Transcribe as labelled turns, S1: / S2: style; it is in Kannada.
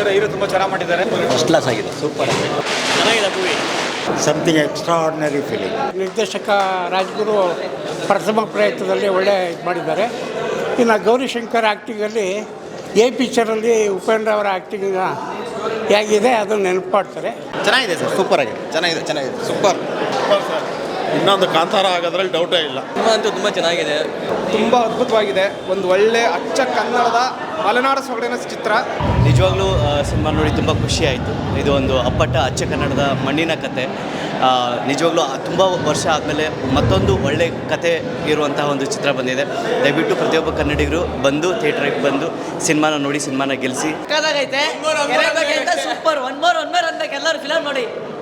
S1: ಅವರ ಹೀರೋ ತುಂಬ ಚೆನ್ನಾಗಿ ಮಾಡಿದ್ದಾರೆ.
S2: ಫಸ್ಟ್ ಕ್ಲಾಸ್ ಆಗಿದೆ, ಸೂಪರ್ ಆಗಿದೆ,
S1: ಚೆನ್ನಾಗಿದೆ ಮೂವಿ.
S2: Something extraordinary film.
S3: ನಿರ್ದೇಶಕ ರಾಜ್ಗುರು ಪ್ರಥಮ ಪ್ರಯತ್ನದಲ್ಲಿ ಒಳ್ಳೆ ಇದು ಮಾಡಿದ್ದಾರೆ. ಇನ್ನು ಗೌರಿಶಂಕರ್ ಆ್ಯಕ್ಟಿಂಗಲ್ಲಿ ಪಿಕ್ಚರಲ್ಲಿ ಉಪೇಂದ್ರ ಅವರ ಆ್ಯಕ್ಟಿಂಗ್ ಹೇಗಿದೆ ಅದನ್ನು ನೆನಪು ಮಾಡ್ತಾರೆ.
S2: ಚೆನ್ನಾಗಿದೆ ಸರ್, ಸೂಪರ್ ಆಗಿದೆ, ಚೆನ್ನಾಗಿದೆ ಸೂಪರ್.
S4: ಇನ್ನೊಂದು ಕಾಂತಾರ ಆಗೋದ್ರಲ್ಲಿ ಡೌಟೇ ಇಲ್ಲ.
S1: ಸಿನಿಮಾ ಅಂತೂ ತುಂಬ ಚೆನ್ನಾಗಿದೆ,
S5: ತುಂಬ ಅದ್ಭುತವಾಗಿದೆ. ಒಂದು ಒಳ್ಳೆ ಅಚ್ಚ ಕನ್ನಡದ ಮಲೆನಾಡ ಸೊಗಡಿನ ಚಿತ್ರ.
S6: ನಿಜವಾಗ್ಲೂ ಸಿನಿಮಾ ನೋಡಿ ತುಂಬ ಖುಷಿ ಆಯಿತು. ಇದು ಒಂದು ಅಪ್ಪಟ ಅಚ್ಚ ಕನ್ನಡದ ಮಣ್ಣಿನ ಕತೆ. ನಿಜವಾಗ್ಲೂ ತುಂಬ ವರ್ಷ ಆದಮೇಲೆ ಮತ್ತೊಂದು ಒಳ್ಳೆ ಕತೆ ಇರುವಂತಹ ಒಂದು ಚಿತ್ರ ಬಂದಿದೆ. ದಯವಿಟ್ಟು ಪ್ರತಿಯೊಬ್ಬ ಕನ್ನಡಿಗರು ಬಂದು ಥಿಯೇಟ್ರಿಗೆ ಬಂದು ಸಿನಿಮಾನ ನೋಡಿ, ಸಿನಿಮಾನ ಗೆಲ್ಲಿಸಿ.
S7: ಸೂಪರ್ ಒನ್ ಮೋರ್ ಅಂದಾಗ ಎಲ್ಲರೂ ಫಿಲಮ್ ನೋಡಿ.